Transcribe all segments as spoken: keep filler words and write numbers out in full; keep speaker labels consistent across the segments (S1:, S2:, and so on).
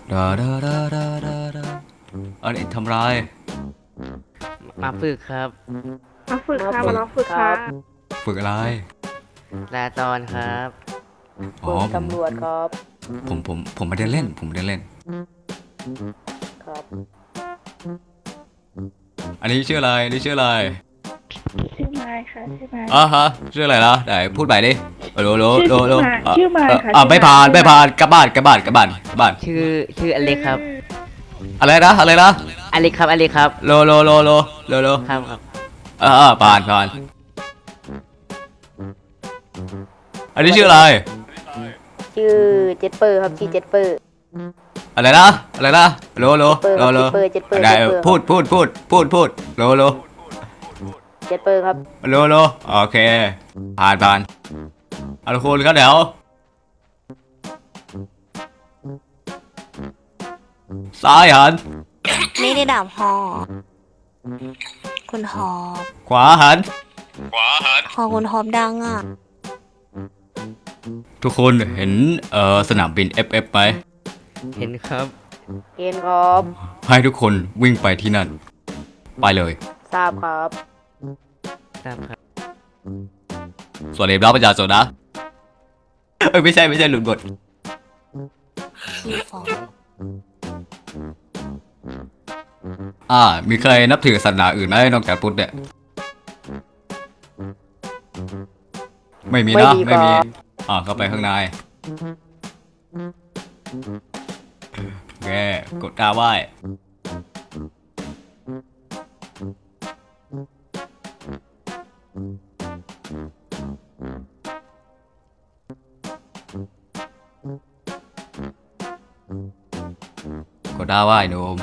S1: ดาดาดาดาดาดาอันนี้ทำไร
S2: มาฝึกครับ
S3: มาฝึกค่ะ
S1: ฝึก
S3: มาลองฝึกค่ะ
S1: ฝึกอะไร
S2: ลาตอนครับ
S1: อ๋อ
S4: ฝึก
S1: ผม
S4: ตำรวจครับ
S1: ผมผมผมไม่ได้เล่นผมไม่ได้เล่น
S4: ครับ
S1: อันนี้ชื่ออะไรอันนี้ชื่ออะไร
S3: ชื่อไม้ค่ะชื่อไม้
S1: อ่ะฮะชื่ออะไรนะไหนพูดใหม่ดิโลโลโลโล
S3: ชื่อไม้ค่ะ
S1: อ่ะ
S3: ชื่อไม้
S1: ไม่ผ่าน
S3: ชื่อไม้
S1: ไม่ผ่านกลับบ้านกลับบ้านกลับบ้านกลับบ้าน
S2: ชื่อชื่ออเล็กครับ
S1: อะไรนะอะไรนะ
S2: อเล็กครับอเล็กครับ
S1: โลโลโลโลโลโล
S2: ครับครับ
S1: อ่าผ่านผ่านอันนี้ชื่ออะไร
S4: ชื่อเจ็ดเปอร์ครับชื่อเจ็ดเปอร์
S1: อะไรนะอะไรนะโลโลโลโล
S4: เจ็ดเปอร์เจ็ดเปอร์
S1: ได้
S4: เจ็ดเปอร์
S1: พูดพูดพูดพูดพูดโลโล
S4: เจ็ดเปอร์ครับ
S1: โลโลโอเคผ่านผ่านเอาทุกคนครับเดี๋ยวซ้ายหัน
S5: ไม่ได้ด่าพ่อคุณฮอบ
S1: ขวาหัน
S5: พอคุณฮอบดังอ่ะ
S1: ทุกคนเห็นเอ่อสนามบิน เอฟ เอฟ ไหม
S2: เห็นครับ
S4: เกณฑ์ครับ
S1: ให้ทุกคนวิ่งไปที่นั่นไปเลย
S4: ทราบครับ
S2: ตามครับ
S1: สวัสดีรับประชาชนนะเอ้ยไม่ใช่ไม่ใช่หลุดบท
S5: พี่ฟอง
S1: อ่ามีใครนับถือศาสนาอื่นไหมนอกจากพุทธเนี่ยไม่มีนะไม่มีอ่าเข้าไปข้างในโอเคกดกาไหว้กดดาไหว้โนม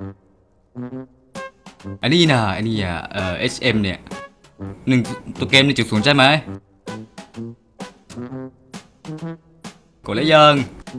S1: อันนี้นะอันนี้อ่ะเอ่อ เอช เอ็ม เนี่ยหนึ่งตัวเกมหนึ่งจุดศูนย์ใช่ไหมกดแล้วยัง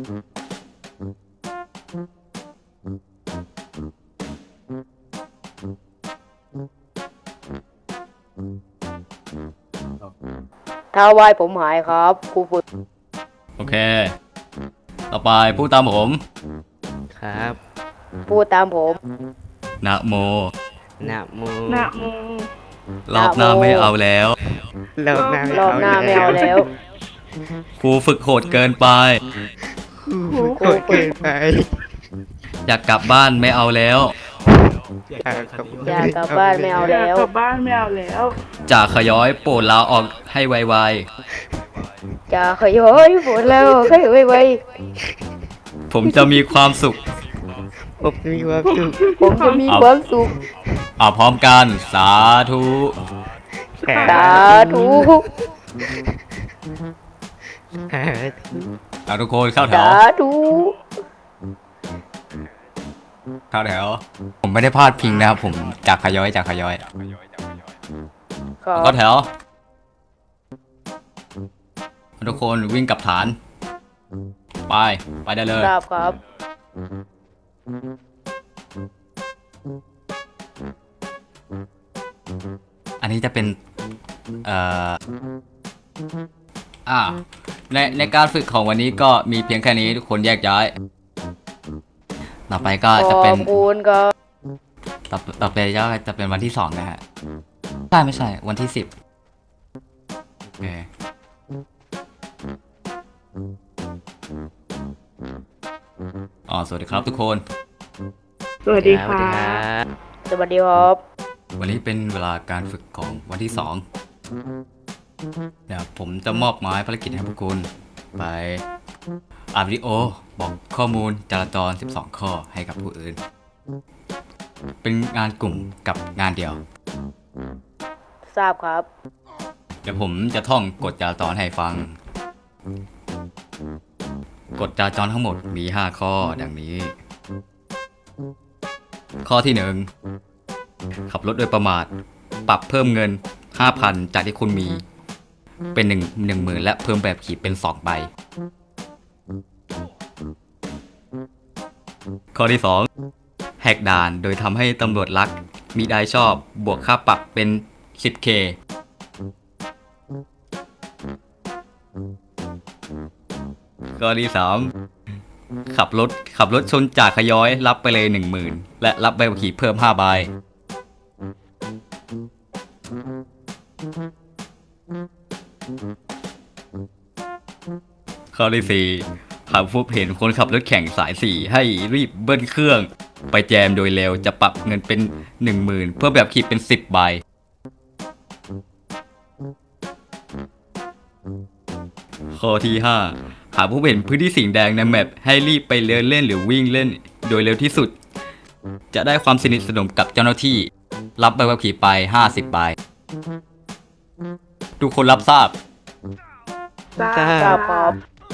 S4: ถ้าไหวผมหายครับครูฝึก
S1: โอเคต่อไปพูดตามผม
S2: ครับ
S4: พูดตามผม
S1: นะโม
S2: นะโม
S3: นะโม
S1: รอบหน้าไม่เอาแล้ว
S2: รอบหน้าร
S4: อบหน้าไม่เอาแล้ว
S1: ครูฝึกโหดเกินไป
S2: โหดเกินไป
S1: อยากกลับบ้านไม่เอาแล้ว
S2: อยากกลับ
S4: อยากกลับบ้านไม่เอาแล้ว
S3: กลับบ้านไม่เอาแล้ว
S1: จากขย้อยโปรดลาออกให้ไว
S4: จะขย้อยปวดแล้วขย้อยไว
S1: ๆผมจะมีความสุข
S2: ผมมีความสุข
S4: ผมจะมีความสุข
S1: อ่าพร้อมกันสาธุ
S4: สาธุ
S2: สาธุ
S1: เอาทุกคนเข้าแถ
S4: สาว ธุ
S1: เข้าแถวผมไม่ได้พลาดพิงนะครับผมจากขย้อยจากขย้อย
S4: ครับ
S1: เข้าแถวทุกคนวิ่งกลับฐานไปไปได้เลย
S4: ทราบครับ
S1: อันนี้จะเป็นเอ่ออ่าในในการฝึกของวันนี้ก็มีเพียงแค่นี้ทุกคนแยกย้ายต่อไปก็
S4: ข
S1: จะ
S4: อ
S1: เป็น
S4: บคุณครับ
S1: ต่อต่อไปก็จะเป็นวันที่สองนะฮะใช่ไม่ใช่วันที่สิบโอเคอ๋อสวัสดีครับทุกคน
S3: สวัสดี
S2: สวัส
S3: ค่ะ
S2: ดีครับ
S4: สวัสดีครับ
S1: วันนี้เป็นเวลาการฝึกของวันที่สองเดี๋ยวผมจะมอบหมายภารกิจให้พวกคุณไปอ่านวิดีโอบอกข้อมูลจราจรสิบสองข้อให้กับผู้อื่น เป็นงานกลุ่มกับงานเดียว
S4: ทราบครับ
S1: เดี๋ยวผมจะท่องกฎจราจรให้ฟัง กฎจราจรทั้งหมดมีห้าข้อดังนี้ ข้อที่หนึ่งขับรถโดยประมาทปรับเพิ่มเงิน ห้าพัน จากที่คุณมีเป็นหนึ่ง หนึ่งหมื่นและเพิ่มแบบขีดเป็นสองใบ ข้อที่สองแหกด่านโดยทำให้ตำรวจรักมิได้ชอบบวกค่าปรับเป็น สิบเค ข้อที่สามขับรถขับรถชนจากขย้อยรับไปเลยหนึ่งหมื่นและรับใบขับขี่เพิ่มห้าใบข้อที่สี่หากพบเห็นคนขับรถแข่งสายสี่ให้รีบเบิ้ลเครื่องไปแจมโดยเร็วจะปรับเงินเป็นหนึ่งหมื่นเพื่อแบบขี่เป็นสิบใบข้อที่ห้าหากพบเห็นพื้นที่สีแดงในแมปให้รีบไปเดินเล่นหรือวิ่งเล่นโดยเร็วที่สุดจะได้ความสนิทสนมกับเจ้าหน้าที่รับใบขับขี่ไปห้าสิบใบทุกคนรับทราบ
S3: ทรา
S2: ทรา
S3: บบ ครับ